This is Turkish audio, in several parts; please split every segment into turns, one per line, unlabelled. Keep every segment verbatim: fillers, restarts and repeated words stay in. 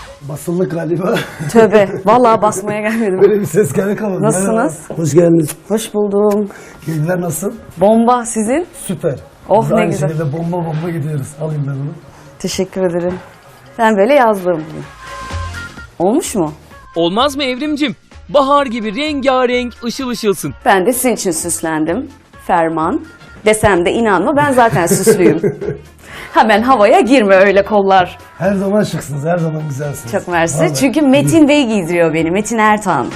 Basıldık galiba.
Tövbe. Vallahi basmaya gelmedim.
Böyle bir ses geldi kalmadı.
Nasılsınız?
Merhaba. Hoş geldiniz.
Hoş buldum.
Keyifler nasıl?
Bomba sizin.
Süper.
Oh,
Biz
ne
aynı
güzel.
şekilde bomba bomba gidiyoruz. Alayım ben onu.
Teşekkür ederim. Ben böyle yazdım. Olmuş mu?
Olmaz mı Evrimcim? Bahar gibi rengarenk ışıl ışılsın.
Ben de sizin için süslendim. Ferman. Desem de inanma, ben zaten süslüyüm. Hemen havaya girme öyle kollar.
Her zaman şıksınız, her zaman güzelsiniz.
Çok mersi.
Vallahi.
Çünkü Metin Bey giydiriyor beni. Metin Ertan.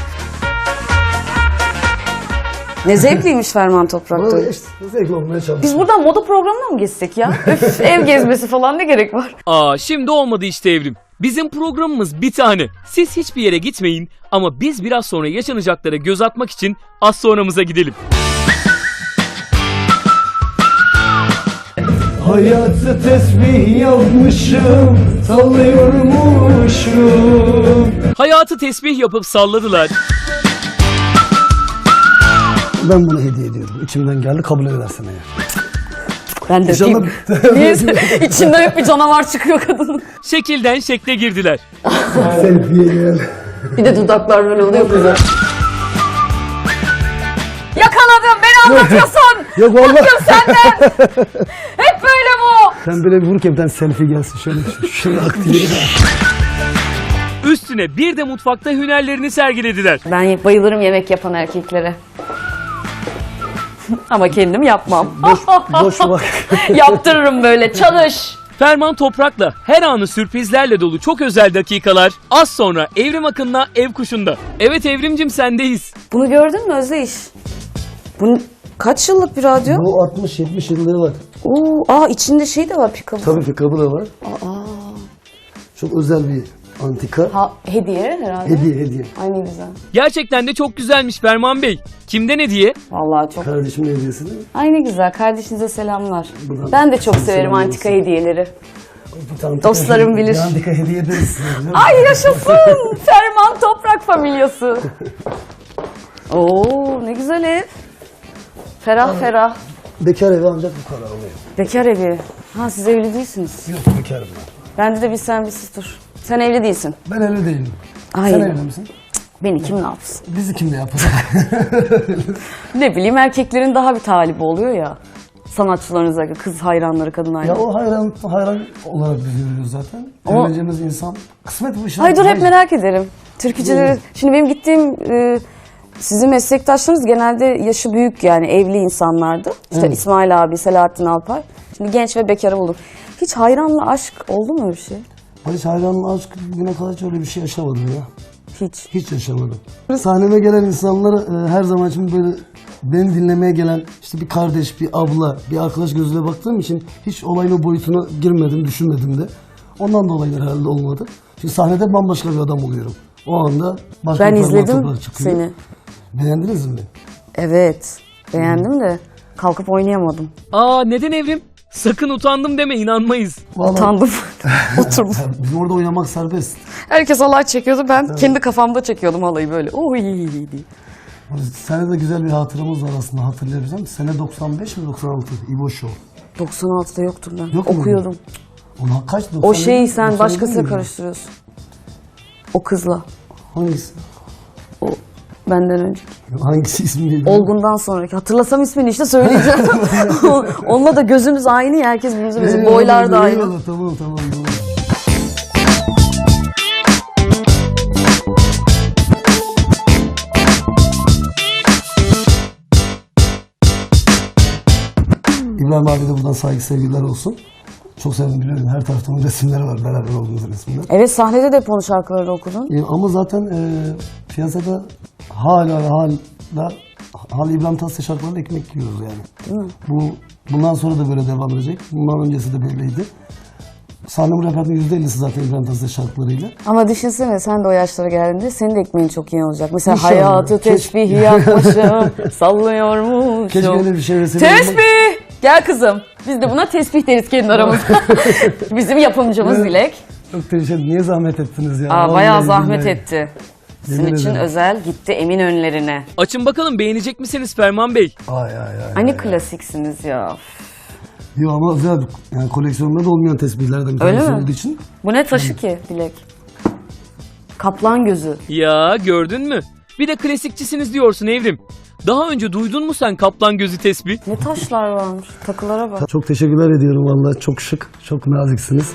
Ne zevkliymiş Ferman Toprak'ta.
Vallahi işte zevkli olmaya çalışıyorum.
Biz buradan moda programına mı geçsek ya? Öf, ev gezmesi falan ne gerek var?
Aa şimdi olmadı işte Evrim. Bizim programımız bir tane. Siz hiçbir yere gitmeyin ama biz biraz sonra yaşanacaklara göz atmak için az sonramıza gidelim.
Hayatı tesbih yapmışım, sallıyormuşum.
Hayatı tesbih yapıp salladılar.
Ben bunu hediye ediyorum. İçimden geldi, kabul edersen eğer.
Ben de
İnşallah-
öpeyim. Neyse, içinden hep bir canavar çıkıyor kadının.
Şekilden şekle girdiler.
Selfie gel.
Bir de dudaklar böyle oluyor kızım. Yakaladım, beni anlatıyorsun.
Yok vallahi.
Bıktım senden. Hep böyle bu.
Sen böyle bir vur ki bir tane selfie gelsin. Şöyle şunu aktive.
Üstüne bir de mutfakta hünerlerini sergilediler.
Ben bayılırım yemek yapan erkeklere. Ama kendim yapmam.
Boş, boş bak.
Yaptırırım böyle, çalış.
Ferman Toprak'la her anı sürprizlerle dolu çok özel dakikalar az sonra Evrim Akın'la Ev Kuşu'nda. Evet Evrimcim sendeyiz.
Bunu gördün mü Özdeyiş? Bu kaç yıllık bir radyo?
Bu altmış yetmiş yıllığı var.
Oo, aa içinde şey de var, pick-up.
Tabii ki kabı da var. Çok özel bir antika.
Ha, hediye herhalde.
Hediye hediye.
Ay ne güzel.
Gerçekten de çok güzelmiş Ferman Bey. Kimden hediye?
Vallahi çok.
Kardeşimin hediyesi değil mi?
Ay ne güzel. Kardeşinize selamlar.
Buradan
Ben de çok severim
selam
antika
olsun.
hediyeleri.
Bir antika
Dostlarım
hediye-
bilir.
Bir antika hediye ederiz size. biliyor musun?
Ay yaşasın. Ferman Toprak familyası. Oo ne güzel ev. Ferah ferah.
Bekar evi ancak bu kadar oluyor.
Bekar evi. Ha siz evli değilsiniz.
Yok bekarım ben.
Bende de bir sen bir siz dur. Sen evli değilsin.
Ben evli değilim.
Ay.
Sen evli misin?
Beni kim ne yapsın?
Bizi kim ne yapar?
Ne bileyim erkeklerin daha bir talibi oluyor ya. Sanatçılarınıza, kız hayranları, kadın
ya
hayranları.
o hayran hayran olarak biz görüyoruz zaten.
Ama-
Evleneceğimiz insan kısmet bu işin.
Ay dur hep
Hayır.
merak ederim. Türkücüleri,
Buyurun.
şimdi benim gittiğim e, sizin meslektaşlarınız genelde yaşı büyük yani evli insanlardı. İşte
Evet.
İsmail abi, Selahattin Alpay. Şimdi genç ve bekarı buldum. Hiç hayranla aşk oldu mu öyle bir şey?
Ben hiç hayranla aşk bugüne kadar hiç öyle bir şey yaşamadım ya.
Hiç.
Hiç yaşamadım. Sahneme gelen insanlara e, her zaman için böyle beni dinlemeye gelen işte bir kardeş, bir abla, bir arkadaş gözüyle baktığım için hiç olayın o boyutuna girmedim, düşünmedim de. Ondan dolayı herhalde olmadı. Çünkü sahnede bambaşka bir adam oluyorum. O anda başka
Ben
bir Ferman
izledim
Toprak çıkıyor.
seni.
Beğendiniz mi?
Evet. Beğendim de kalkıp oynayamadım.
Aa neden Evrim? Sakın utandım deme inanmayız.
Vallahi
Utandım. Oturdum.
bizim orada oynamak serbest.
Herkes halay çekiyordu. Ben kendi kafamda çekiyordum halayı böyle. Oy diye.
Sene de güzel bir hatıramız var aslında hatırlayabilsem. Sene doksan beş mi doksan altı? İbo Show.
doksan altıda yoktum ben.
Yok mu?
Okuyordum.
Ona kaç?
O
doksan
şeyi
yedi,
sen
doksan yedi
başkasıyla
miydi?
karıştırıyorsun. O kızla.
Hangisi?
O benden önce.
Hangisi ismi neydi?
Olgun'dan sonraki. Hatırlasam ismini işte söyleyeceğim. Onunla da gözümüz aynı ya. Herkes birbirimize benziyor.
Eyvallah,
Boylar da aynı.
eyvallah, Tamam tamam doğru. İbrahim abi de buradan saygı sevgiler olsun. Çok sevdim biliyorum. Her tarafta onun resimleri var. Beraber olduğumuz resimler.
Evet sahnede de hep onun şarkılarını okudun.
E, ama zaten e, piyasada hala ve hala hala İbrahim Tatlıses şarkılarıyla ekmek yiyoruz yani.
Değil mi?
Bu bundan sonra da böyle devam edecek. Bundan öncesi de böyleydi. Sahnem repertuarının yüzde ellisi zaten İbrahim Tatlıses şarkılarıyla.
Ama düşünsene sen de o yaşlara geldiğinde senin de ekmeğin çok iyi olacak. Mesela
İnşallah.
hayatı
Keşke-
tesbih yapmışım, sallıyormuşum.
Keşke öyle bir şey vesile olmak-
Tesbih! Gel kızım. Biz de buna tesbih deriz kendi aramızda. Bizim yapımcımız
Evet.
Dilek.
Çok teşekkür ederim. Niye zahmet ettiniz ya?
Aa,
Vallahi
bayağı zahmet
billahi.
etti. Sizin
Yemin
için
ederim.
özel gitti Eminönü'lerine.
Açın bakalım beğenecek misiniz Ferman Bey?
Ay ay ay.
Hani
ay.
klasiksiniz ya.
Yok ama özel bir- yani koleksiyonda da olmayan tesbihlerden bir
Öyle
tanesi
mi?
olduğu için.
Bu ne taşı ki Dilek? Kaplan gözü.
Ya gördün mü? Bir de klasikçisiniz diyorsun Evrim. Daha önce duydun mu sen kaplan gözü tesbih?
Ne taşlar varmış. Takılara bak.
Çok teşekkürler ediyorum vallahi, çok şık, çok naziksiniz.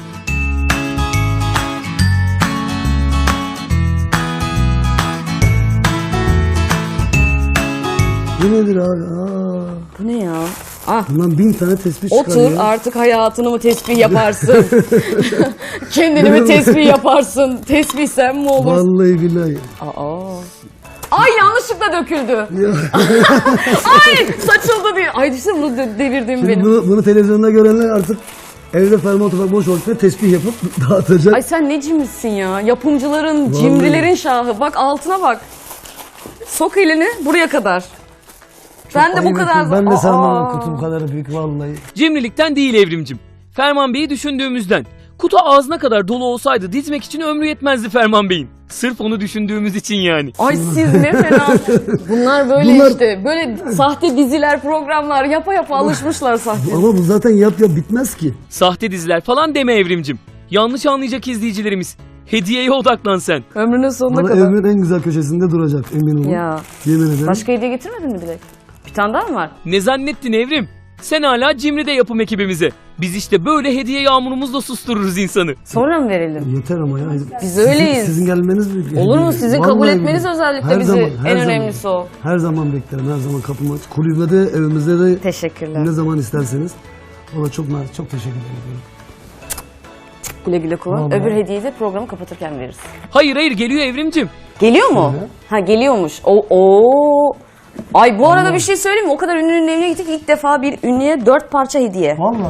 Bu nedir abi? Aa,
Bu ne ya? Ah.
bundan bin tane tespih çıkar
Otur
ya.
artık hayatını mı tesbih yaparsın? Kendini mi tesbih yaparsın? Tesbih sen mi olursun?
Vallahi billahi.
Aa. Ay yanlışlıkla döküldü.
Ya.
Ay saçıldı diye. Ay düşünsene bunu de- devirdim
Şimdi
benim.
bunu, bunu televizyonda görenler artık evde ferman oturup boş vakitte tesbih yapıp dağıtacak.
Ay sen ne cimrisin ya. Yapımcıların,
Vallahi.
cimrilerin şahı. Bak altına bak. Sok elini buraya kadar. Ben de bu
Ayıp
kadar...
ettim. Ben de sanmam
Aa.
kutu bu kadar büyük vallahi.
Cimrilikten değil Evrimcim. Ferman Bey'i düşündüğümüzden. Kutu ağzına kadar dolu olsaydı dizmek için ömrü yetmezdi Ferman Bey'in. Sırf onu düşündüğümüz için yani.
Ay siz ne fena. Bunlar böyle
Bunlar-
işte. Böyle sahte diziler, programlar yapa yapa alışmışlar sahte.
Ama bu zaten yap yap bitmez ki.
Sahte diziler falan deme Evrimcim. Yanlış anlayacak izleyicilerimiz. Hediyeye odaklan sen.
Ömrünün sonuna
Bana
kadar.
evimin en güzel köşesinde duracak, emin olun.
Ya.
Yemin ederim.
Başka hediye getirmedin mi Dilek? Bir tane daha mı var?
Ne zannettin Evrim? Sen hala Cimri'de yapım ekibimize. Biz işte böyle hediye yağmurumuzla sustururuz insanı.
Sonra mı verelim?
Yeter ama ya.
Biz öyleyiz.
Sizin, sizin gelmeniz büyük.
Olur mu? Sizin
Vallahi
kabul etmeniz
billahi.
özellikle
Her
bizi.
zaman, her
En
zaman.
önemlisi o.
Her zaman beklerim, her zaman kapım açık. Kulübede, evimizde de
Teşekkürler.
ne zaman isterseniz. Valla çok nazik, çok teşekkür ederim.
Güle güle kullan.
Vallahi.
Öbür hediyeyi de programı kapatırken veririz.
Hayır hayır geliyor Evrimcim.
Geliyor mu?
Şöyle.
Ha geliyormuş. O o. Ay bu arada bir şey söyleyeyim mi? O kadar ünlünün evine gittik. İlk defa bir ünlüye dört parça hediye.
Valla.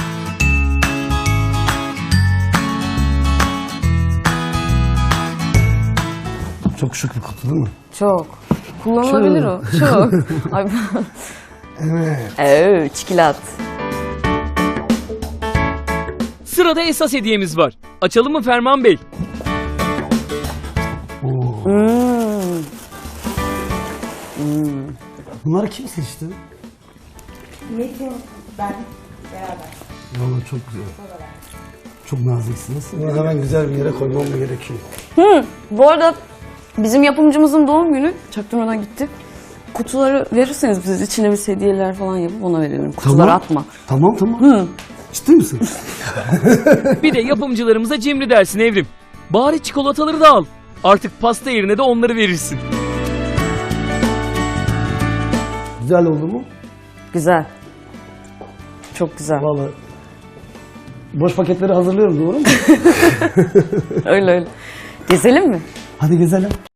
Çok şık bir kutu değil mi?
Çok. Kullanılabilir
Şöyle.
o. Çok. Ay.
Evet.
Evet, çikolat.
Sırada esas hediyemiz var. Açalım mı Ferman Bey?
Oo.
Hmm.
Bunları kim seçti?
Metin, ben beraber.
Valla çok güzel. Çok naziksiniz. Bunu hemen güzel bir yere koymam mı gerekiyor?
Hı. Bu arada bizim yapımcımızın doğum günü çaktırmadan gitti. Kutuları verirseniz biz içine bir hediyeler falan yapıp ona verelim. Kutuları atma.
Tamam tamam.
Hı.
Ciddi misin?
Bir de yapımcılarımıza Cimri dersin Evrim. Bari çikolataları da al. Artık pasta yerine de onları verirsin.
Güzel oldu mu?
Güzel. Çok güzel.
Valla. Boş paketleri hazırlıyorum, doğru mu?
Öyle öyle. Gezelim mi?
Hadi gezelim.